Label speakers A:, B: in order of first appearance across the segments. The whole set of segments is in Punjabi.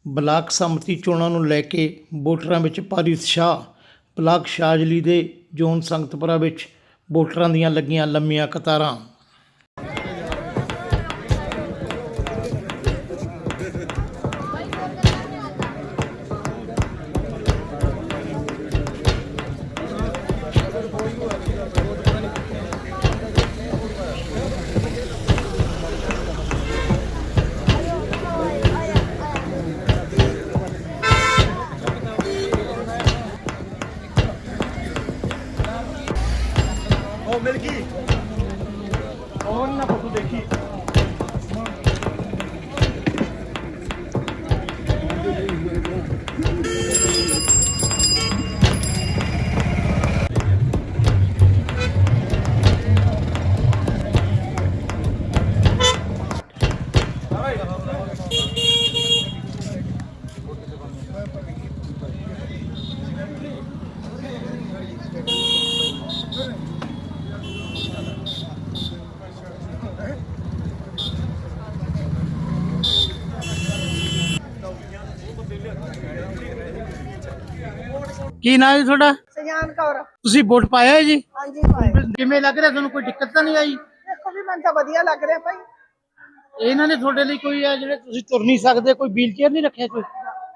A: ਬਲਾਕ ਸੰਮਤੀ ਚੋਣਾਂ ਨੂੰ ਲੈ ਕੇ ਵੋਟਰਾਂ ਵਿੱਚ ਭਾਰੀ ਉਤਸ਼ਾਹ। ਬਲਾਕ ਸ਼ਾਜਲੀ ਦੇ ਜ਼ੋਨ ਸੰਗਤਪੁਰਾ ਵਿੱਚ ਵੋਟਰਾਂ ਦੀਆਂ ਲੱਗੀਆਂ ਲੰਮੀਆਂ ਕਤਾਰਾਂ।
B: मिल गई और ना फोटो देखी
A: ਕੀ ਨਾਂ ਜੀ ਤੁਹਾਡਾ?
C: ਸਜਾਨ ਕੌਰ।
A: ਤੁਸੀਂ ਵੋਟ ਪਾਇਆ ਹੈ ਜੀ?
C: ਹਾਂਜੀ ਭਾਈ।
A: ਕਿਵੇਂ ਲੱਗ ਰਿਹਾ ਤੁਹਾਨੂੰ? ਕੋਈ ਦਿੱਕਤ ਤਾਂ ਨਹੀਂ ਆਈ?
C: ਦੇਖੋ ਵੀ ਮੈਨੂੰ ਤਾਂ ਵਧੀਆ ਲੱਗ ਰਿਹਾ ਭਾਈ।
A: ਇਹਨਾਂ ਨੇ ਤੁਹਾਡੇ ਲਈ ਕੋਈ ਆ ਜਿਹੜੇ ਤੁਸੀਂ ਤੁਰ ਨਹੀਂ ਸਕਦੇ, ਕੋਈ ਵੀਲ ਚੇਅਰ ਨਹੀਂ ਰੱਖਿਆ ਕੋਈ?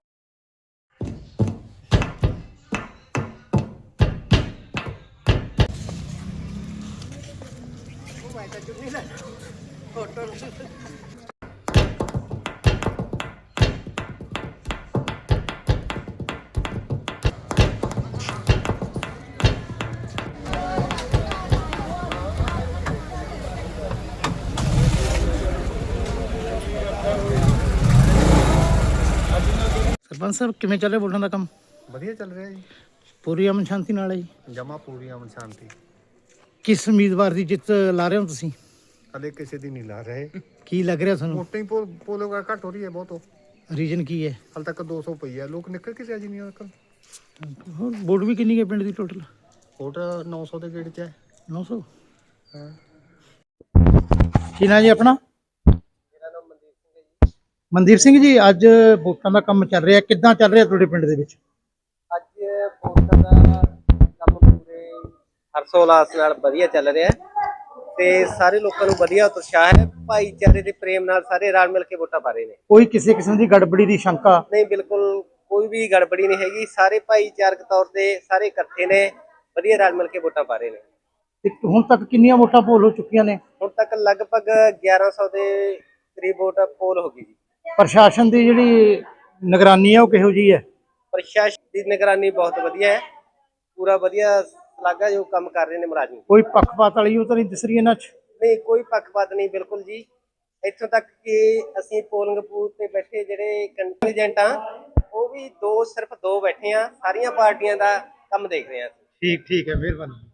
A: ਸਰਪੰਚ ਸਾਹਿਬ ਕਿਵੇਂ ਚੱਲ ਰਿਹਾ ਵੋਟਾਂ ਦਾ ਕੰਮ?
B: ਵਧੀਆ ਚੱਲ ਰਿਹਾ ਜੀ,
A: ਪੂਰੀ ਅਮਨ ਸ਼ਾਂਤੀ ਨਾਲ ਹੈ ਜੀ?
B: ਜਮਾ ਪੂਰੀ ਅਮਨ ਸ਼ਾਂਤੀ।
A: ਕਿਸ ਉਮੀਦਵਾਰ ਦੀ ਜਿੱਤ ਲਾ ਰਹੇ ਹੋ ਤੁਸੀਂ?
B: ਹਲੇ ਕਿਸੇ ਦੀ ਨਹੀਂ ਲਾ ਰਹੇ।
A: ਕੀ ਲੱਗ ਰਿਹਾ ਤੁਹਾਨੂੰ?
B: ਵੋਟਾਂ ਹੀ ਪੋਲਿੰਗ ਘੱਟ ਹੋ ਰਹੀ ਹੈ ਬਹੁਤ।
A: ਰੀਜਨ ਕੀ ਹੈ?
B: ਹਾਲ ਤੱਕ 200 ਪਈ ਹੈ, ਲੋਕ ਨਿਕਲ ਕੇ ਰਾਜੀ ਨਹੀਂ ਅੰਕਲ।
A: ਹੋਰ ਵੋਟ ਵੀ ਕਿੰਨੀ ਹੈ ਪਿੰਡ ਦੀ ਟੋਟਲ?
B: ਵੋਟ 900 ਦੇ ਗੇੜ 'ਚ ਹੈ।
A: 900?
B: ਹਾਂ।
A: ਕੀ ਨਾਂ ਜੀ ਆਪਣਾ? ਮਨਦੀਪ ਸਿੰਘ ਜੀ, ਅੱਜ ਵੋਟਾਂ ਦਾ ਕੰਮ ਚੱਲ ਰਿਹਾ, ਕਿੱਦਾਂ ਚੱਲ ਰਿਹਾ ਤੁਹਾਡੇ ਪਿੰਡ ਦੇ ਵਿੱਚ?
D: ਅੱਜ ਵੋਟਾਂ ਦਾ ਕੰਮ ਪੂਰੇ ਹਰਸੋਲਾਸ ਨਾਲ ਵਧੀਆ ਚੱਲ ਰਿਹਾ ਹੈ ਤੇ ਸਾਰੇ ਲੋਕਾਂ ਨੂੰ ਵਧੀਆ ਉਤਸ਼ਾਹ ਹੈ। ਭਾਈਚਾਰੇ ਦੇ ਪ੍ਰੇਮ ਨਾਲ ਸਾਰੇ ਰਲ ਮਿਲ ਕੇ ਵੋਟਾਂ ਪਾ ਰਹੇ ਨੇ।
A: ਕੋਈ ਕਿਸੇ ਕਿਸਮ ਦੀ ਗੜਬੜੀ ਦੀ ਸ਼ੰਕਾ?
D: ਨਹੀਂ, ਬਿਲਕੁਲ ਕੋਈ ਵੀ ਗੜਬੜੀ ਨਹੀਂ ਹੈਗੀ। ਸਾਰੇ ਭਾਈਚਾਰਕ ਤੌਰ ਤੇ ਸਾਰੇ ਇਕੱਠੇ ਨੇ, ਵਧੀਆ ਰਲ ਮਿਲ ਕੇ ਵੋਟਾਂ ਪਾ ਰਹੇ ਨੇ।
A: ਤੇ ਹੁਣ ਤੱਕ ਕਿੰਨੀਆਂ ਵੋਟਾਂ ਪੋਲ ਹੋ ਚੁੱਕੀਆਂ ਨੇ?
D: ਹੁਣ ਤੱਕ ਲਗਭਗ 1100 ਦੇ ਕਰੀਬ ਵੋਟ ਪੋਲ ਹੋ ਗਈ ਜੀ।
A: ਪ੍ਰਸ਼ਾਸਨ ਦੀ ਜਿਹੜੀ ਨਿਗਰਾਨੀ ਹੈ ਉਹ ਕਿਹੋ ਜਿਹੀ ਹੈ?
D: ਪ੍ਰਸ਼ਾਸਨ ਦੀ ਨਿਗਰਾਨੀ ਬਹੁਤ ਵਧੀਆ ਹੈ, ਪੂਰਾ ਵਧੀਆ ਲੱਗਾ ਜੋ ਕੰਮ ਕਰ ਰਹੇ ਨੇ ਮੁਲਾਜ਼ਮ।
A: ਕੋਈ ਪੱਖਪਾਤ ਵਾਲੀ ਉਹ ਤਾਂ ਨਹੀਂ ਦਿਸ ਰਹੀ ਇਹਨਾਂ 'ਚ?
D: ਨਹੀਂ, ਕੋਈ ਪੱਖਪਾਤ ਨਹੀਂ, ਬਿਲਕੁਲ ਜੀ। ਇੱਥੋਂ ਤੱਕ ਕਿ ਅਸੀਂ ਪੋਲਿੰਗ ਬੂਥ ਤੇ ਬੈਠੇ ਜਿਹੜੇ ਕੰਟੀਜੈਂਟ ਆ, ਉਹ ਵੀ ਸਿਰਫ ਦੋ ਬੈਠੇ ਆ। ਸਾਰੀਆਂ ਪਾਰਟੀਆਂ ਦਾ ਕੰਮ ਦੇਖ ਰਹੇ ਆ।
A: ਠੀਕ ਹੈ, ਮਿਹਰਬਾਨੀ।